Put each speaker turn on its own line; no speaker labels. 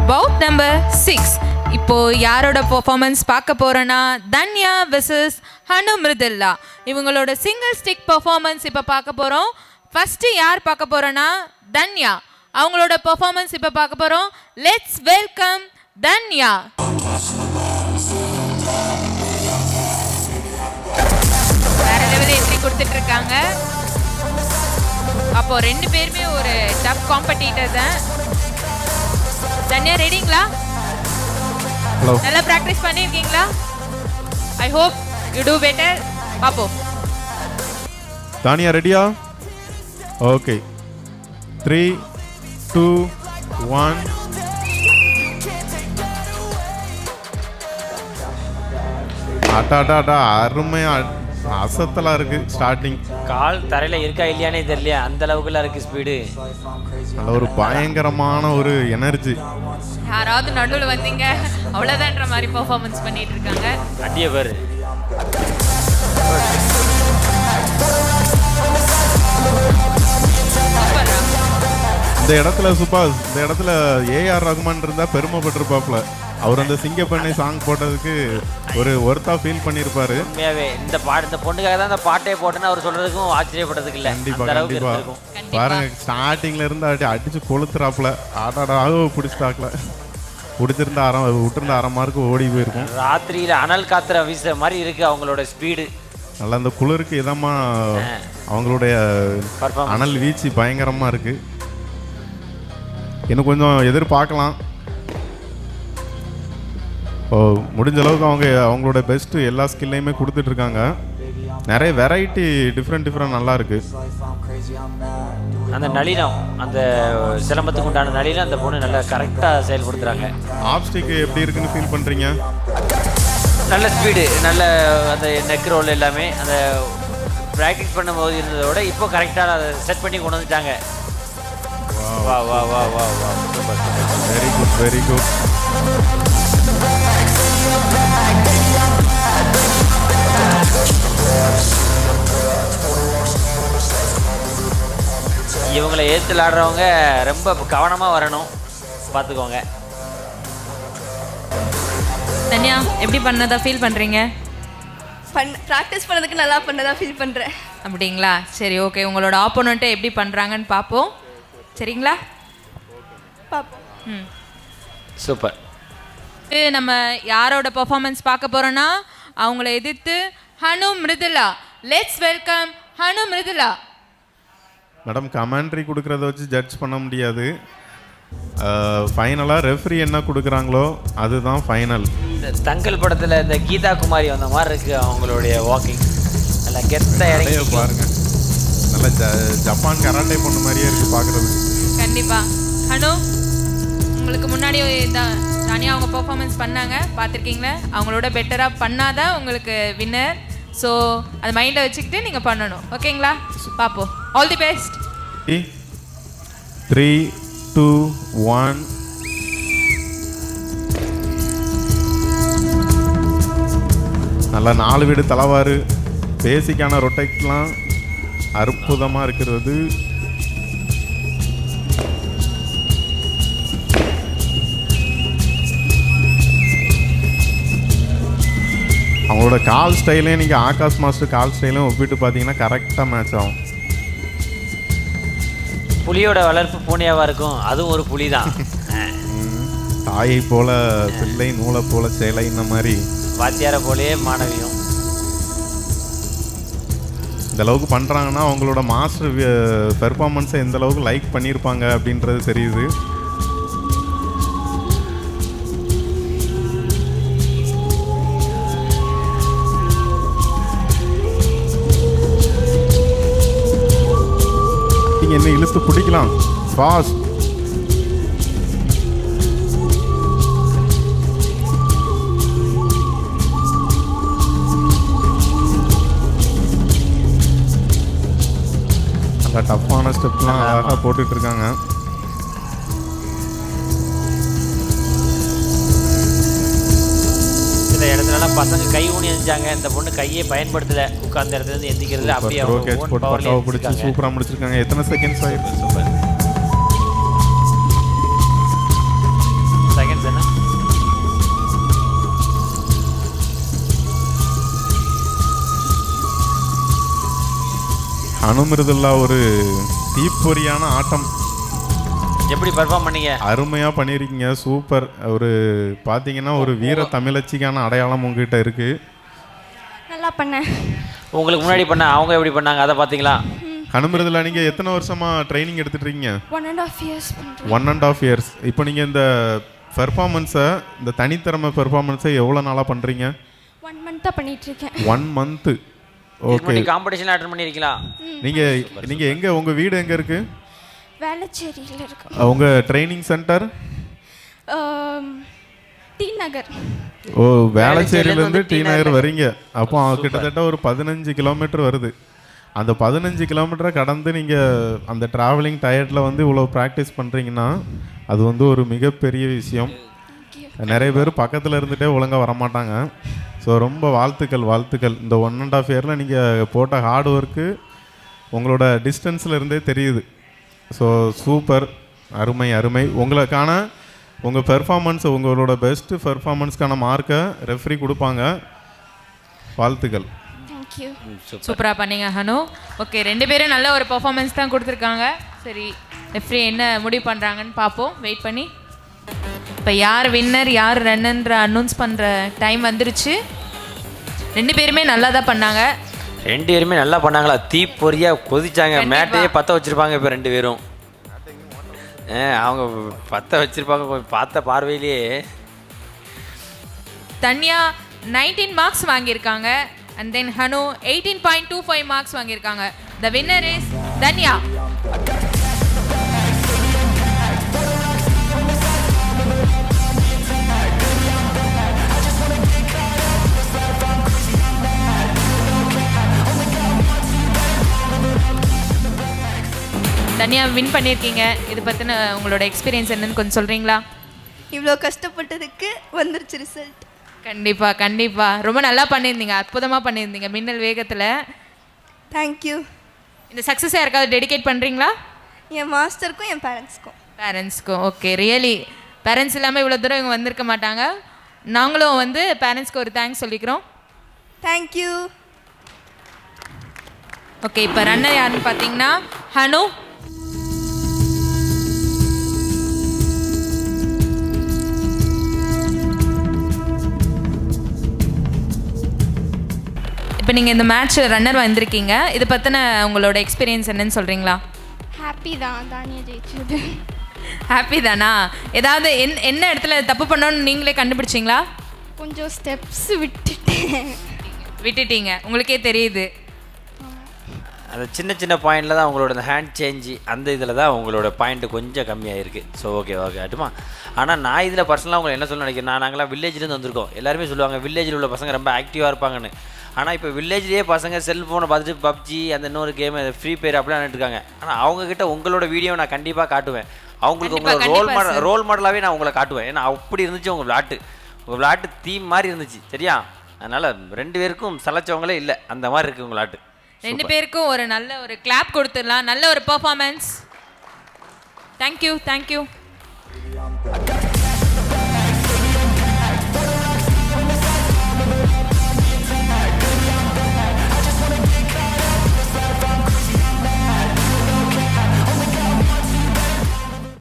பவுட் number 6. இப்போ யாரோட performance பார்க்க போறோன்னா தன்யா வெர்சஸ் ஹனு மிருதுல்லா. இவங்களோட சிங்கிள் ஸ்டிக் பெர்ஃபார்மன்ஸ் இப்போ பார்க்க போகிறோம். ஃபஸ்ட்டு யார் பார்க்க போறோன்னா தன்யா. அவங்களோட பெர்ஃபார்மன்ஸ் இப்போ பார்க்க போகிறோம். Let's welcome Tanya. வேற லெவலில் என்ட்ரி கொடுத்துட்டு இருக்காங்க. அப்போ ரெண்டு பேருமே ஒரு டஃப் காம்படிட்டர் தான். தன்யா ரெடிங்களா? நல்லா பிராக்டிஸ் பண்ணிருக்கீங்களா? I hope you do better. பாப்போம்.
தானியா ரெடியா? ஓகே, 3 2 1. அட்டாடாடா, அருமையா அசத்தலா இருக்கு. ஸ்டார்டிங்
கால் தரையில இருக்கா இல்லையானே தெரியல, அந்த அளவுக்குலாம் இருக்கு ஸ்பீடு.
நல்ல ஒரு பயங்கரமான ஒரு எனர்ஜி.
யாராவது நடுவில் வந்தீங்க அவ்வளோதான்ற மாதிரி பெர்ஃபார்மன்ஸ் பண்ணிட்டு இருக்காங்க.
அடிய பேர்
இந்த இடத்துல சுபாஷ், இந்த இடத்துல ஏஆர் ரகுமான் இருந்தா பெருமைப்பட்டிருப்பாப்ல. அவர் அந்த சிங்கப்பண்ணை சாங் போட்டதுக்கு ஒரு ஒர்த்தா ஃபீல் பண்ணியிருப்பாரு.
உண்மையாவே இந்த பொண்ணுக்காக தான் அந்த பாட்டே போட்டேன்னு அவர் சொல்றதுக்கும் ஆச்சரியப்பட்டதுக்கு இல்லை.
கண்டிப்பா கண்டிப்பா. பாருங்க, ஸ்டார்டிங்ல இருந்து அடிச்சு கொளுத்துறாப்புல. ஆடாடாக பிடிச்சிட்டாக்கல. பிடிச்சிருந்தா விட்டுருந்த அரை மார்க்கு ஓடி போயிருக்கும்.
ராத்திரியில அனல் காத்துற வீச மாதிரி இருக்கு அவங்களோட ஸ்பீடு.
நல்லா அந்த குளிருக்கு இதமா அவங்களுடைய அனல் வீச்சு பயங்கரமா இருக்கு. இன்னும் கொஞ்சம் எதிர்பார்க்கலாம். முடிஞ்ச அளவுக்கு அவங்களோட பெஸ்ட்டு எல்லா ஸ்கில்லையுமே கொடுத்துட்டு இருக்காங்க. நிறைய வெரைட்டி டிஃப்ரெண்ட் நல்லா இருக்கு.
அந்த நளினம், அந்த சிலம்பத்துக்கு உண்டான நளினம் அந்த பொண்ணு நல்லா கரெக்டாக செயல்படுத்துறாங்க.
ஆப்ஸ்டிக் எப்படி இருக்குன்னு ஃபீல் பண்ணுறீங்க?
நல்ல ஸ்பீடு, நல்ல அந்த நெக் ரோல் எல்லாமே அந்த ப்ராக்டிஸ் பண்ணும்போது இருந்ததை விட இப்போ கரெக்டாக அதை செட் பண்ணி கொண்டு வந்துட்டாங்க. வா வா வா வா வா, super super,
very good very good.
இவங்களை ஏற்று விளாடுறவங்க ரொம்ப கவனமாக வரணும், பார்த்துக்கோங்க.
தன்யா எப்படி பண்ணதா ஃபீல் பண்ணுறீங்க?
ப்ராக்டிஸ் பண்ணதுக்கு நல்லா பண்ணதா ஃபீல் பண்ணுறேன்.
அப்படிங்களா? சரி, ஓகே. உங்களோட ஆப்போனண்ட்டை எப்படி பண்ணுறாங்கன்னு பார்ப்போம். சரிங்களா?
பார்ப்போம்.
சூப்பர்.
நம்ம யாரோட பெர்ஃபார்மன்ஸ் பார்க்க போகிறோன்னா அவங்கள எதிர்த்து Hanu Mrudulla. Let's welcome Hanu Mrudulla.
Madam, commentary கொடுக்குறத வச்சு ஜட்ஜ் பண்ண முடியாது. ஃபைனலாக ரெஃப்ரி என்ன கொடுக்குறாங்களோ அதுதான் ஃபைனல்.
இந்த தங்கல் படத்தில் இந்த கீதா குமாரி வந்த மாதிரி இருக்குது அவங்களுடைய வாக்கிங். நல்லா கெத்தாக இறங்கி
பாருங்க. நல்ல ஜப்பான் கராட்டே பொண்ணு மாதிரியே இருக்குது பார்க்குறது.
கண்டிப்பாக. ஹனு, உங்களுக்கு முன்னாடி தானியா அவங்க பெர்ஃபார்மன்ஸ் பண்ணாங்க, பார்த்துருக்கீங்களா? அவங்களோட பெட்டராக பண்ணாதான் உங்களுக்கு வின்னர். ஸோ அது மைண்டில் வச்சுக்கிட்டு நீங்கள் பண்ணணும். ஓகேங்களா? பார்ப்போம். All the best.
3 2 1. நல்லா 4 வீடு தலைவாறு. பேசிக்கான ரொட்டெக்ட்லாம் அற்புதமாக இருக்கிறது. அவங்களோட கால் ஸ்டைலையும் நீங்கள் ஆகாஷ் மாஸ்டர் கால் ஸ்டைலையும் ஒப்பிட்டு பார்த்தீங்கன்னா கரெக்டாக மேட்ச் ஆகும்.
புலியோட வளர்ப்பு பூனையாவா இருக்கும், அதுவும் ஒரு புலி தான்.
தாயை போல பிள்ளை, நூலை போல சேலை, இந்த மாதிரி
வாத்தியார போலயே மாணவியும்.
இந்த அளவுக்கு பண்ணுறாங்கன்னா அவங்களோட மாஸ்டர் பெர்ஃபார்மன்ஸை எந்த அளவுக்கு லைக் பண்ணியிருப்பாங்க அப்படின்றது தெரியுது. என்ன இழுத்து பிடிக்கலாம் ஃபாஸ்ட். நல்லா டஃப்பான ஸ்டெப்லாம் அழகாக போட்டுட்டு இருக்காங்க.
சில இடத்துலலாம் பசங்க கை ஊனி எரிஞ்சாங்க, இந்த பொண்ணு கையே பயன்படுத்தல, உட்கார்ந்த இடத்துல இருந்து எந்திக்கிறது அப்படியே
பக்காவை பிடிச்சி சூப்பராக முடிச்சிருக்காங்க. எத்தனை செகண்ட்ஸ் ஆயிருக்கு?
செகண்ட்
அனுமிருதுல்லா ஒரு தீப்பொறியான ஆட்டம்.
எப்படி பெர்ஃபார்ம் பண்ணீங்க?
அருமையாக பண்ணியிருக்கீங்க, சூப்பர். ஒரு பார்த்தீங்கன்னா ஒரு வீர தமிழச்சிக்கான அடையாளம் உங்ககிட்ட இருக்குது.
நல்லா பண்ணேன்.
உங்களுக்கு முன்னாடி பண்ண அவங்க எப்படி பண்ணாங்க அதை பார்த்தீங்களா?
அனுமிருதுல்லா நீங்கள் எத்தனை வருஷமாக ட்ரைனிங் எடுத்துட்ருக்கீங்க?
1.5 years பண்ணுறேன்.
1.5 years. இப்போ நீங்கள் இந்த பெர்ஃபார்மன்ஸை, இந்த தனித்திறமை பெர்ஃபார்மன்ஸை எவ்வளோ நாளாக பண்ணுறீங்க?
1 month பண்ணிகிட்ருக்கேன்.
1 month. ஓகே.
காம்படிஷன் அட்டன் பண்ணியிருக்கீங்களா?
நீங்கள் எங்கே, உங்கள் வீடு எங்கே இருக்குது?
வேளச்சேரியில் இருக்கு.
உங்கள் ட்ரைனிங் சென்டர்?
டி நகர்.
ஓ, வேளச்சேரியிலேருந்து டி நகர் வரீங்க. அப்போ கிட்டத்தட்ட ஒரு 15 கிலோமீட்டர் வருது. அந்த 15 கிலோமீட்டரை கடந்து நீங்கள் அந்த ட்ராவலிங் டயர்டில் வந்து இவ்வளோ ப்ராக்டிஸ் பண்ணுறீங்கன்னா அது வந்து ஒரு மிகப்பெரிய விஷயம். நிறைய பேர் பக்கத்தில் இருந்துகிட்டே ஒழுங்காக வரமாட்டாங்க. ஸோ ரொம்ப வாழ்த்துக்கள். இந்த 1.5 yearல நீங்கள் போட்ட ஹார்ட் ஒர்க்கு உங்களோட டிஸ்டன்ஸில் இருந்தே தெரியுது. ஸோ சூப்பர், அருமை. உங்களுக்கான உங்கள் பெர்ஃபார்மன்ஸ், உங்களோட பெஸ்ட்டு பெர்ஃபார்மன்ஸ்க்கான மார்க்கை ரெஃப்ரி கொடுப்பாங்க. வாழ்த்துக்கள்.
சூப்பராக பண்ணீங்க ஹனு. ஓகே, 2 பேரும் நல்ல ஒரு பெர்ஃபார்மன்ஸ் தான் கொடுத்துருக்காங்க. சரி, ரெஃப்ரி என்ன முடிவு பண்ணுறாங்கன்னு பார்ப்போம், வெயிட் பண்ணி. இப்போ யார் வின்னர் யார் ரன்னுன்ற அனௌன்ஸ் பண்ணுற டைம் வந்துருச்சு. 2 பேருமே நல்லா தான் பண்ணாங்க.
2 பேருமே நல்லா பண்ணாங்களா? தீப்பொறியாக கொதிச்சாங்க. மேட்டையே பற்ற வச்சுருப்பாங்க இப்போ 2 பேரும். அவங்க பற்ற வச்சுருப்பாங்க பார்த்த பார்வையிலேயே.
தன்யா 19 மார்க்ஸ் வாங்கியிருக்காங்க. அண்ட் தென் ஹனு 18.25 மார்க்ஸ் வாங்கியிருக்காங்க. The winner is Tanya. Tanya win பண்ணியிருக்கீங்க. இது பற்றின உங்களோட எக்ஸ்பீரியன்ஸ் என்னன்னு கொஞ்சம் சொல்கிறீங்களா?
இவ்வளோ கஷ்டப்பட்டதுக்கு வந்துருச்சு ரிசல்ட்.
கண்டிப்பாக ரொம்ப நல்லா பண்ணியிருந்தீங்க, அற்புதமாக பண்ணியிருந்தீங்க மின்னல் வேகத்தில்.
தேங்க்யூ.
இந்த சக்ஸஸை யாருக்காவது டெடிகேட் பண்ணுறீங்களா?
என் மாஸ்டருக்கும் என் பேரண்ட்ஸ்க்கும்.
ஓகே, ரியலி பேரண்ட்ஸ் இல்லாமல் இவ்வளோ தூரம் இவங்க வந்திருக்க மாட்டாங்க. நாங்களும் வந்து பேரண்ட்ஸ்க்கு ஒரு தேங்க்ஸ் சொல்லிக்கிறோம்.
தேங்க்யூ.
ஓகே, இப்போ ரன்னர் யாருன்னு பார்த்தீங்கன்னா ஹனு. இப்போ நீங்கள் இந்த மேட்ச் ரன்னர் வந்திருக்கீங்க. இதை பற்றின உங்களோட எக்ஸ்பீரியன்ஸ் என்னன்னு சொல்கிறீங்களா?
ஹாப்பி தான், தானியா ஜெயிச்சது.
ஹாப்பி தானா? ஏதாவது என்ன இடத்துல தப்பு பண்ணோன்னு நீங்களே கண்டுபிடிச்சிங்களா?
கொஞ்சம் ஸ்டெப்ஸ் விட்டுட்டீங்க,
உங்களுக்கே தெரியுது.
அந்த சின்ன பாயிண்டில் தான் உங்களோட இந்த ஹேண்ட் சேஞ்சு அந்த இதில் தான் உங்களோட பாயிண்ட்டு கொஞ்சம் கம்மியாக இருக்குது. ஸோ ஓகே ஆட்டுமா. ஆனால் நான் இதில் பர்சனலாக உங்களை என்ன சொல்ல நினைக்கிறேன், நாங்களாம் வில்லேஜ்லேருந்து வந்திருக்கோம். எல்லாருமே சொல்லுவாங்க வில்லேஜில் உள்ள பசங்க ரொம்ப ஆக்டிவாக இருப்பாங்கன்னு. ஆனால் இப்போ வில்லேஜ்லேயே பசங்க செல்ஃபோனை பார்த்துட்டு பப்ஜி அந்த இன்னொரு கேம் ஃப்ரீ ஃபயர் அப்படிலாம் இருக்காங்க. ஆனால் அவங்கக்கிட்ட உங்களோட வீடியோ நான் கண்டிப்பாக காட்டுவேன். அவங்களுக்கு உங்களோட ரோல் மாடலாகவே நான் உங்களை காட்டுவேன். ஏன்னா அப்படி இருந்துச்சு உங்கள் விளையாட்டு தீம் மாதிரி இருந்துச்சு. சரியா? அதனால் 2 பேருக்கும் சலைச்சவங்களே இல்லை, அந்த மாதிரி இருக்குது உங்கள் விளையாட்டு.
2 பேருக்கும் ஒரு நல்ல ஒரு கிளாப் கொடுத்துடலாம். நல்ல ஒரு பெர்ஃபார்மன்ஸ். தேங்க்யூ.